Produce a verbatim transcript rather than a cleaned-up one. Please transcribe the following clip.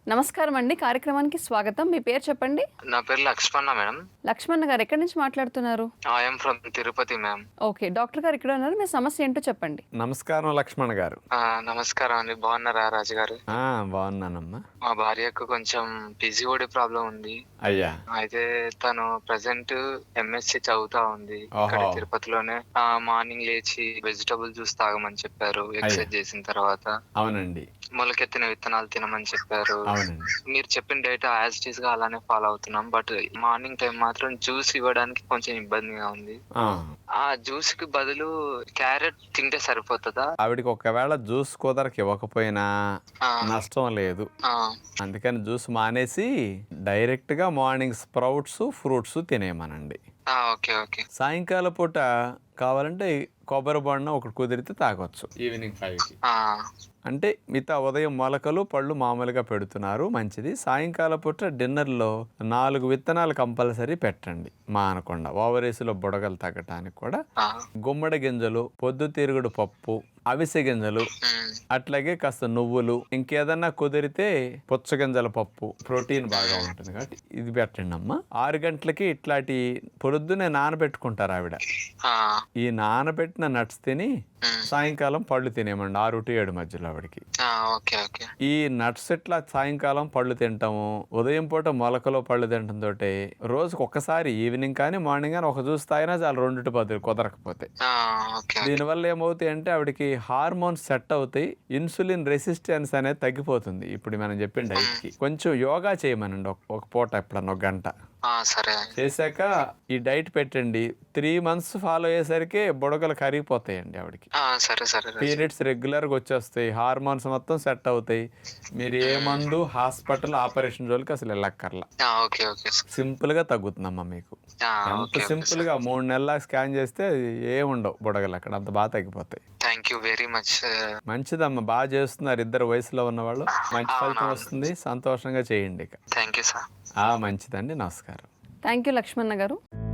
నమస్కారం అండి. కార్యక్రమానికి స్వాగతం. మీ పేరు చెప్పండి? నా పేరు లక్ష్మణ మేడం. లక్ష్మణ గారు ఎక్కడి నుంచి మాట్లాడుతున్నారు? I am from Tirupati ma'am. Okay. Doctor గారు ఇక్కడ ఉన్నారు. మీ సమస్య ఏంటో చెప్పండి. నమస్కారం లక్ష్మణ గారు. ఆ, నమస్కారం అండి. బాగున్నారా రాజు గారు? ఆ బాగున్నానమ్మా. మా భార్యకు కొంచెం పీసీఓడి ప్రాబ్లం ఉంది. అయ్యా. అయితే తను ప్రెసెంట్ ఎంఎస్సి చదువుతా ఉంది ఇక్కడ ఓహో. తిరుపతిలోనే. ఆ మార్నింగ్ లేచి వెజిటబుల్ జ్యూస్ తాగమని చెప్పారు. ఎక్సర్సైజ్ చేసిన తర్వాత అవునండి. మొలకెత్తిన విత్తనాలు తినమని చెప్పారు. అవునండి. మీరు చెప్పిన డేట్ యాజ్ ఇట్ ఈస్ గా అలానే ఫాలో అవుతున్నాం. బట్ మార్నింగ్ టైం మాత్రం జ్యూస్ ఇవ్వడానికి కొంచెం ఇబ్బందిగా ఉంది. ఆ. ఆ జ్యూస్ కి బదులు క్యారెట్ తింటే సరిపోతుందా? ఆవిడకి ఒకవేళ జ్యూస్ కుదరకి ఇవ్వకపోయినా ఆ, నష్టం లేదు. ఆ, అందుకని జ్యూస్ మానేసి డైరెక్ట్ గా మార్నింగ్ స్ప్రౌట్స్ ఫ్రూట్స్ తినేయమనండి. ఆ, ఓకే ఓకే. సాయంకాల పూట కావాలంటే కొబ్బరి బొండం ఒకటి కుదిరితే తాగొచ్చు ఈవినింగ్ ఫైవ్కి. ఆ, అంటే మిగతా ఉదయం మొలకలు పళ్ళు మామూలుగా పెడుతున్నారు, మంచిది. సాయంకాల పూట డిన్నర్లో నాలుగు విత్తనాలు కంపల్సరీ పెట్టండి మానకుండా, ఓవరేసులో బుడగలు తగ్గటానికి కూడా. ఆ, గుమ్మడి గింజలు, పొద్దుతిరుగుడు పప్పు, అవిసె గింజలు, ఉమ్, అట్లాగే కాస్త నువ్వులు, ఇంకేదన్నా కుదిరితే పుచ్చగింజల పప్పు, ప్రోటీన్ బాగా ఉంటుంది కాబట్టి ఇది పెట్టండి అమ్మా. ఆరు గంటలకి ఇట్లాంటి పొద్దునే నానబెట్టుకుంటారు ఆవిడ. ఆ, ఈ నానబెట్టిన నట్స్ తిని ఉమ్, సాయంకాలం పళ్ళు తినేమండి ఆరు టు ఏడు మధ్యలో ఆవిడకి. ఆ, ఓకే ఓకే. ఈ నట్స్ ఇట్లా సాయంకాలం పళ్ళు తింటాము, ఉదయం పూట మొలకలో పళ్ళు తినటం తోటి రోజుకు ఒక్కసారి ఈవినింగ్ కానీ మార్నింగ్ కానీ ఒక జ్యూస్ తాగినా చాలు, రెండు టు పది కుదరకపోతే. ఆ, ఓకే. దీనివల్ల ఏమవుతాయి అంటే ఆవిడకి హార్మోన్స్ సెట్ అవుతాయి, ఇన్సులిన్ రెసిస్టెన్స్ అనేది తగ్గిపోతుంది. ఇప్పుడు మనం చెప్పిన డైట్కి కొంచెం యోగా చేయమనండి ఒక ఒక పూట ఎప్పుడన్నా ఒక గంట ఆ, సరే. చేశాక ఈ డైట్ పెట్టండి. త్రీ మంత్స్ ఫాలో అయ్యేసరికి బుడగలు కరిగిపోతాయండి ఆవిడకి. ఆ, సరే సరే రాజు. పీరియడ్స్ రెగ్యులర్గా వచ్చేస్తాయి, హార్మోన్స్ మొత్తం సెట్ అవుతాయి. మీరు ఏ మందు హాస్పిటల్ ఆపరేషన్ జోలికి అసలు వెళ్ళక్కర్లా, ఆ, ఓకే ఓకే. సింపుల్గా తగ్గుతుందమ్మా మీకు. ఆ, ఎంత ఓకే ఓకే. సింపుల్గా మూడు నెలల స్కాన్ చేస్తే ఏముండవు బుడగలు అక్కడ, అంత బాగా తగ్గిపోతాయి. Thank you very much. మంచిదమ్మా, బాగా చేస్తున్నారు ఇద్దరు వయసులో ఉన్నవాళ్ళు, మంచి ఫలితం వస్తుంది. సంతోషంగా చేయండి ఇక. Thank you sir. ఆ మంచిదండి, నమస్కారం. థ్యాంక్ యూ లక్ష్మణ గారు.